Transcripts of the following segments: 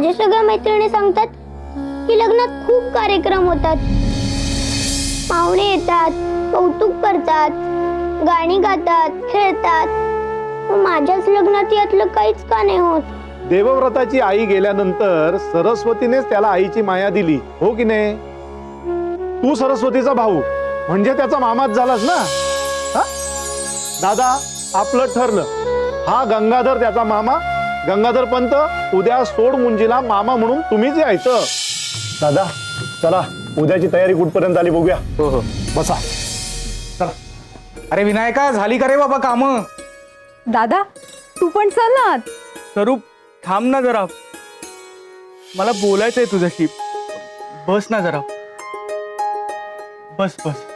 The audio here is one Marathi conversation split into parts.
माझ्या सगळ्या मैत्रिणी सांगतात की लग्नात खूप कार्यक्रम होतात, पाहुणे येतात, कौतुक करतात, गाणी गातात, खेळतात. पण माझ्याच लग्नात यातलं काहीच का नाही होत? देवव्रताची आई गेल्यानंतर सरस्वतीनेच त्याला आईची माया दिली, हो की नाही? तू सरस्वतीचा भाऊ म्हणजे त्याचा मामाच झालास ना. हा? दादा, आपलं ठरलं. हा गंगाधर त्याचा मामा, गंगाधर पंत उद्या सोड मुंजीला मामा म्हणून तुम्हीच यायचं. दादा चला, उद्याची तयारी कुठपर्यंत आली बघूया. हो हो, बसा. चला. अरे विनायका, झाली का रे बाबा काम? दादा तू पण चल ना. स्वरूप थांब ना जरा, मला बोलायचंय तुझ्याशी. बस ना जरा, बस बस.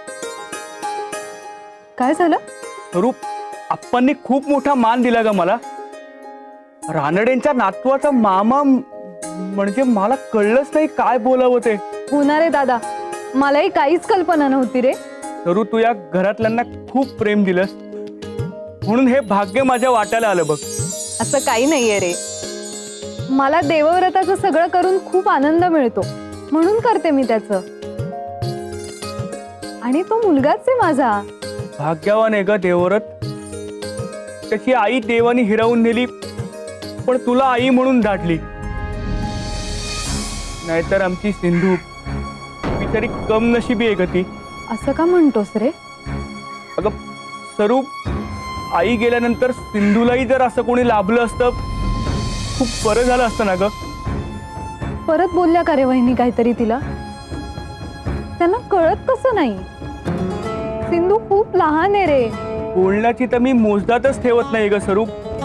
काय झालं? स्वरूप, आप्पांनी खूप मोठा मान दिला ग मला. रानडेंच्या नातवाचा मामा म्हणजे मला कळलंच नाही काय बोलावं ते. होणार आहे दादा, मलाही काहीच कल्पना नव्हती रे. स्वरूप, तू या घरातल्यांना खूप प्रेम दिलंस म्हणून हे भाग्य माझ्या वाट्याला आलं बघ. असं काही नाहीये रे, मला देवव्रताचं सगळं करून खूप आनंद मिळतो म्हणून करते मी त्याचं. आणि तो मुलगाच आहे माझा. भाग्यवान आहे ग देवव्रत. त्याची आई देवानी हिरावून नेली पण तुला आई म्हणून धाडली. नाहीतर आमची सिंधू बिचारी कम नशिबी आहे ग ती. असं का म्हणतोस रे? अगं स्वरूप, आई गेल्यानंतर सिंधूलाही जर असं कोणी लाभलं असतं खूप बरं झालं असतं ना ग. परत बोलल्या का रे वहिनी काहीतरी तिला? त्यांना कळत कसं नाही? सिंधू खूप लहान आहे रे. बोलण्याची तर मी मोजदातच ठेवत नाही ग स्वरूप.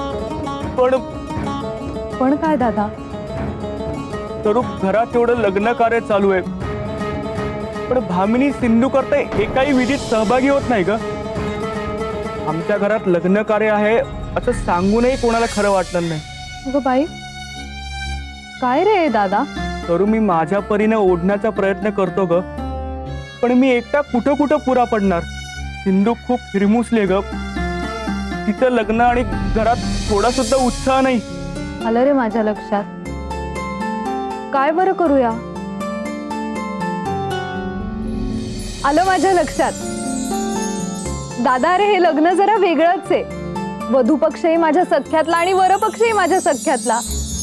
पण काय दादा? स्वरूप, घरात एवढं लग्न कार्य चालू आहे पण भामिनी सिंधू करता एकाही विधीत सहभागी होत नाही ग. आमच्या घरात लग्न कार्य आहे असं सांगूनही कोणाला खरं वाटणार नाही. अगं बाई, काय रे दादा? स्वरूप, मी माझ्या परीने ओढण्याचा प्रयत्न करतो ग, पण मी एकटा कुठं कुठं पुरा पडणार. सिंधू खूप हिरमुसले ग. तिचं लग्न आणि घरात थोडा सुद्धा उत्साह नाही. आलं रे माझ्या लक्षात. काय बरं करूया? आलं माझ्या लक्षात. दादा, अरे हे लग्न जरा वेगळंच आहे. वधू पक्षही माझ्या सख्यातला आणि वर पक्षही माझ्या सख्यातला.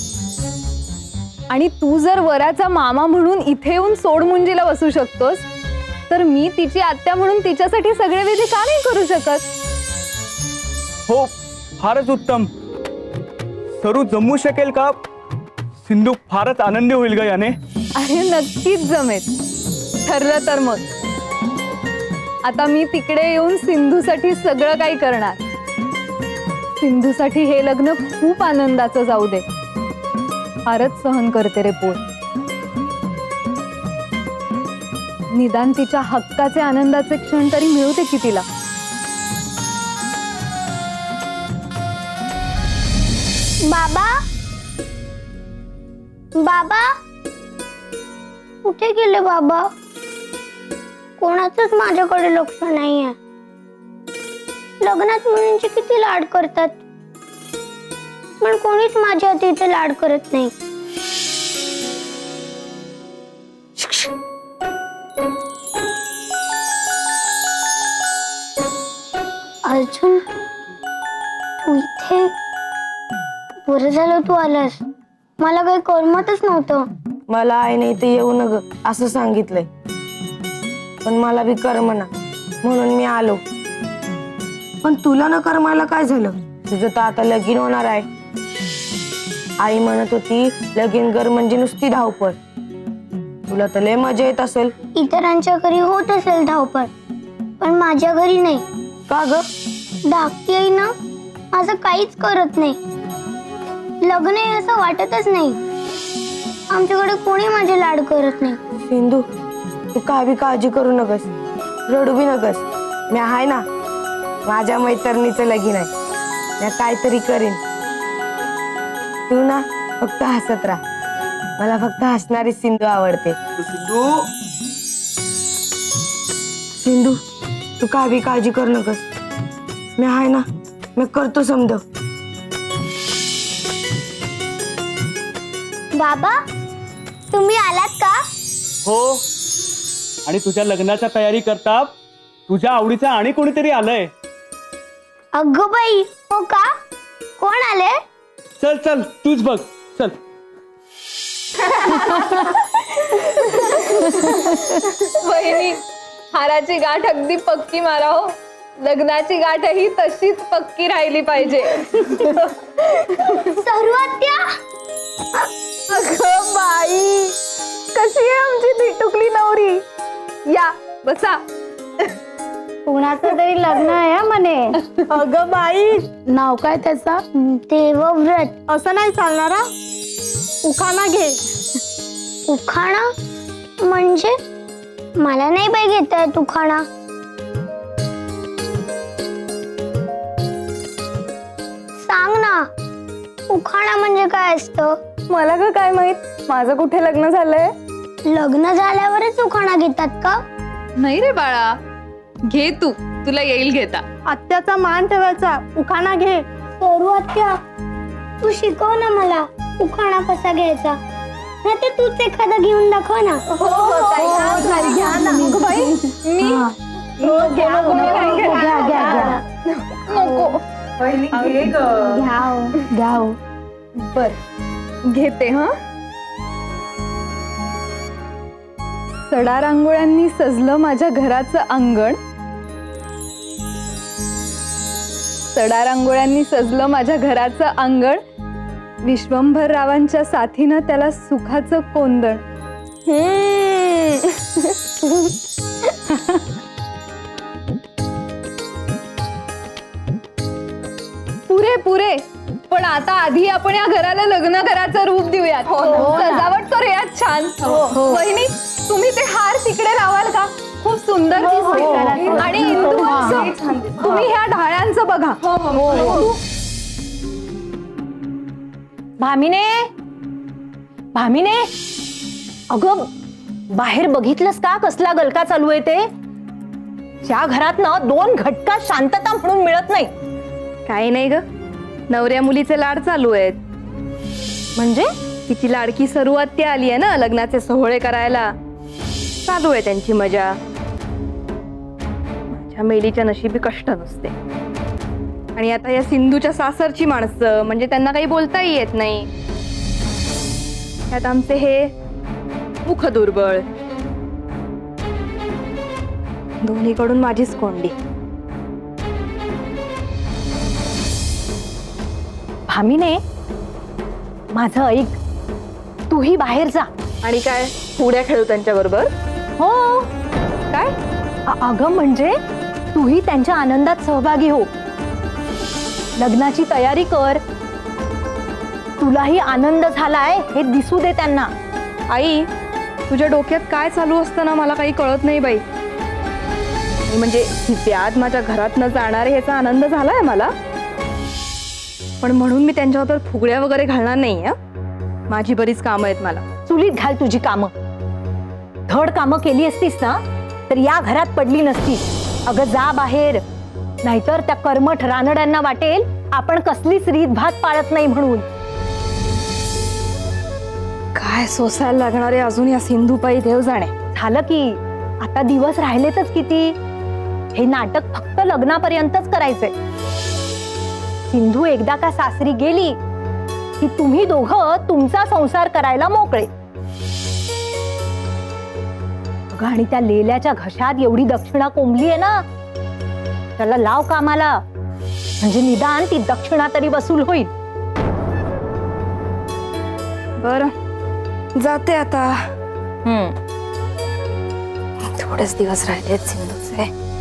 आणि तू जर वराचा मामा म्हणून इथे येऊन सोडमुंजीला बसू शकतोस, तर मी तिची आत्या म्हणून तिच्यासाठी सगळे विधी का नाही करू शकत? हो, फारच उत्तम. सरू जमू शकेल का? सिंधू फारच आनंदी होईल ग याने. अरे नक्कीच जमेल. ठरलं तर मग आता मी तिकडे येऊन सिंधूसाठी सगळं काही करणार. सिंधूसाठी हे लग्न खूप आनंदाचं जाऊ दे. फारच सहन करते रे पोर. निदान तिच्या हक्काचे आनंदाचे क्षण तरी मिळू दे की तिला. बाबा, बाबा कुठे गेले बाबा? कोणाचंच माझ्याकडे लक्ष नाहीये. लग्नात मुलींची किती लाड करतात पण कोणीच माझ्या इथे लाड करत नाही. अर्जुन, तू इथे? बरं झालं तू आलास. मला काही करमतच नव्हतं. मला आईने इथे येऊ नग असं सांगितलंय, पण मला बी करमना म्हणून मी आलो. पण तुला न करमायला काय झालं? तुझं तर आता लगीन होणार आहे. आई म्हणत होती लगीन कर म्हणजे नुसती धावपळ. तुला तर लय मजा येत असेल. इतरांच्या घरी होत असेल धावपळ, पण माझ्या घरी नाही. का ग? धाकटी आई ना माझं काहीच करत नाही. लग्न आहे असं वाटतच नाही. आमच्याकडे कोणी माझे लाड करत नाही. सिंधू, तू काय बी काळजी करू नकस, रडू बी नकस. मी आहे ना. माझ्या मैत्रिणीचं लगीन आहे. मी काहीतरी करीन. तू ना फक्त हसत राहा. मला फक्त हसणारी सिंधू आवडते. सिंधू, तू काय बी काळजी करू नकस. मी आहे ना. मी करतो समज. बाबा तुम्ही आलात का? हो, आणि तुझ्या लग्नाच्या तयारी करता तुझ्या आवडीचं आणि कोणीतरी आलंय. अगं बाई, हो का? कोण आले? चल चल तूच बघ, चल. वहिनी, हाराची गाठ अगदी पक्की मारा हो. लग्नाची गाठही तशीच पक्की राहिली पाहिजे. सर्वात्या अगं बाई, कशी आहे आमची टिटुकली नवरी. या बसा. कोणाचं तरी लग्न आहे म्हणे. अगं बाई, नाव काय त्याचा? देवव्रत. असं नाही चालणार. उखाणा घे. उखाणा म्हणजे? मला नाही बाई घेता येत उखाणा. सांग ना, उखाणा म्हणजे काय असतं? मला का काय माहित, माझं कुठे लग्न झालंय. लग्न झाल्यावरच उखाणा घेतात का? नाही रे बाळा, घे तू, तुला येईल घेता. आत्याचा मान ठेवायचा. उखाणा घे. सर्वात्या तू शिकव ना मला उखाणा कसा घ्यायचा. नाही तर तूच एखादा घेऊन दाखव ना. घ्या ना. अगं बाई, मी नको. घ्या. बर, घेते. हा, सडा रांगोळ्यांनी सजलं माझ्या घराचं अंगण. सडा रांगोळ्यांनी सजलं माझ्या घराचं अंगण. विश्वंभर रावांच्या साथीनं त्याला सुखाचं कोंदण. पुरे पुरे, पण आता आधी आपण या घराला लग्न घराचं रूप देऊयात. सजावट करूयात छान. वहिनी, तुम्ही ते हार तिकडे लावाल का? खूप सुंदर दिसते. आणि इंदू मावशी, तुम्ही ह्या ढाळ्यांचं बघा. भामिने, भामिने, अगं बाहेर बघितलंस का कसला गलका चालू आहे ते? ज्या घरात ना 2 घटका शांतता म्हणून मिळत नाही. काही नाही ग, नवऱ्या मुलीचे लाड चालू आहेत. म्हणजे तिची लाडकी सर्वात्या आली आहे ना लग्नाचे सोहळे करायला. चालू आहे त्यांची मजा. माझ्या मेलीच्या नशिबी कष्ट नसते. आणि आता या सिंधूच्या सासरची माणसं, म्हणजे त्यांना काही बोलताही येत नाही. त्यात आमचे हे मुख दुर्बळ. दोन्हीकडून माझीच कोंडी. भामिने, माझं ऐक, तूही बाहेर जा. आणि काय उड्या खेळू त्यांच्या बरोबर? हो. काय? अगं म्हणजे तूही त्यांच्या आनंदात सहभागी हो. लग्नाची तयारी कर. तुलाही आनंद झालाय हे दिसू दे त्यांना. आई, तुझ्या डोक्यात काय चालू असतं ना मला काही कळत नाही बाई. म्हणजे ही व्याध माझ्या घरात न जाणारे ह्याचा आनंद झालाय मला. पण म्हणून मी त्यांच्याबरोबर फुगड्या वगैरे घालणार नाही. माझी बरीच कामं आहेत मला. चुलीत घाल तुझी कामं. धड कामं केली असतीस ना तर या घरात पडली नसतीस. अगं जा बाहेर, नाहीतर त्या कर्मठ रानड्यांना वाटेल आपण कसलीच रीत भात पाळत नाही म्हणून. काय सोसायला लागणारे अजून या सिंधूपायी देव जाणे. झालं की आता दिवस राहिलेतच किती. हे नाटक फक्त लग्नापर्यंतच करायचंय. सिंधू एकदा का सासरी गेली की तुम्ही दोघं तुमचा संसार करायला मोकळे. अगं, आणि त्या लेल्याच्या घशात एवढी दक्षिणा कोंबली आहे ना, त्याला लाव कामाला. म्हणजे निदान ती दक्षिणा तरी वसूल होईल. बर, जाते आता. थोडेच दिवस राहिलेत सिंधूचे.